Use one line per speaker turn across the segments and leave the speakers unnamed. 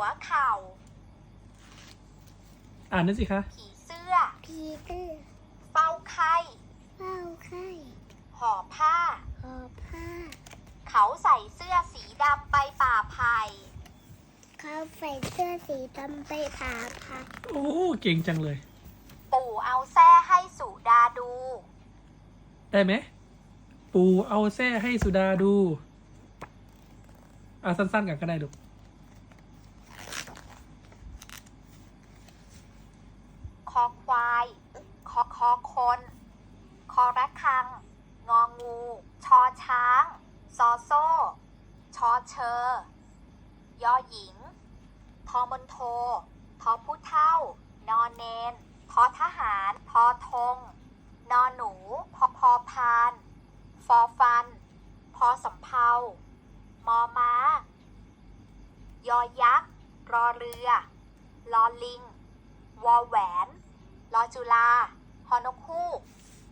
วเข่า
อ่านนั่นสิคะ
ผีเสื้อเฝ้าไข้ ห่อผ้า เขาใส่เสื้อสีดำไปป่าไผ่
โอ้เก่งจังเลย
ปู่เอาแส้ให้สุดาดู
ได้ไหมปู่เอาแส้ให้สุดาดูเอาสั้นๆกันก็ได้ลูก
คอควายคอคน คอระฆัง งองู ชอช้าง ซอโซ่ ชอเชอยอหญิง ทอมนโท ทอผู้เท่า นอเนน ทอทหาร พอธง นอหนู พอพาน ฟอฟัน พอสำเภามอม้ายอยักษ์ รอเรือ ลอลิง วอแหวน ลอจุฬา ฮอนกฮูก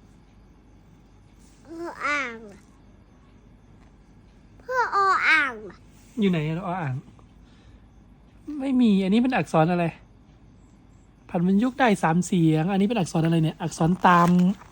อยู่ไหนเราอ่านไม่มีอันนี้เป็นอักษรอะไรผันมันยุกได้3 เสียงอันนี้เป็นอักษรอะไรเนี่ยอักษรตาม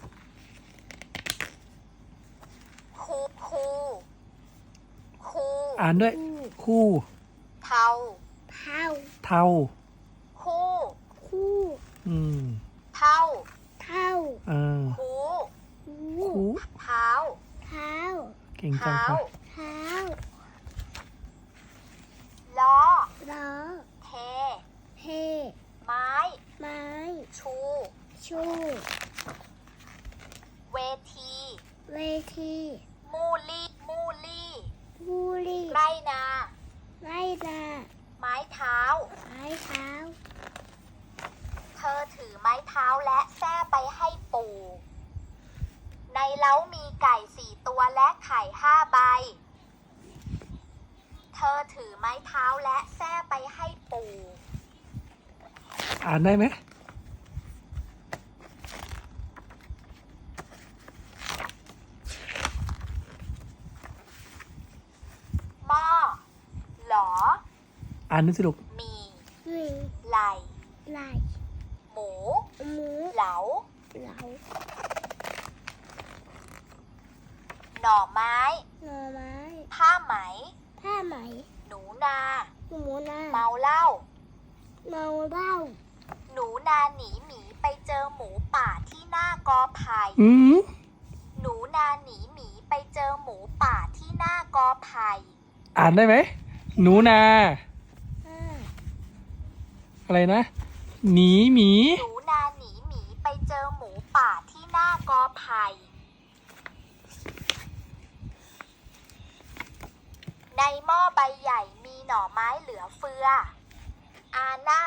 คู
อ่านด้วยคู่
เทา
เทา
คู่
อืม
เท่า
อ่า
คู
คู่
เท้า
เก่งจัง
เท้า
ค่ะ
ล้อ เท ไม้ ชู เวที มูลี่ ไรนา ไม้เท้า เธอถือไม้เท้าและแส้ไปให้ปู่ ในเล้ามีไก่4 ตัวและไข่5 ใบ เธอถือไม้เท้าและแส้ไปให้ปู่
อ่านได้ไหม
หม้อ หลอ
อ่านนั่นสิลูก
มี ไหล หมู เหลา หน่อไม้ ผ้าไหม หนูนา เมาเหล้า หนูนาหนีหมีไปเจอหมูป่าที่หน้ากอไผ่ หนูนาหนีหมีไปเจอหมูป่าที่หน้ากอไผ่
อ่านได้ไหมหนูนาอะไรนะหนีหมี
หนูนาหนีหมีไปเจอหมูป่าที่หน้ากอไผ่ ในหม้อใบใหญ่มีหน่อไม้เหลือเฟือ อาน่า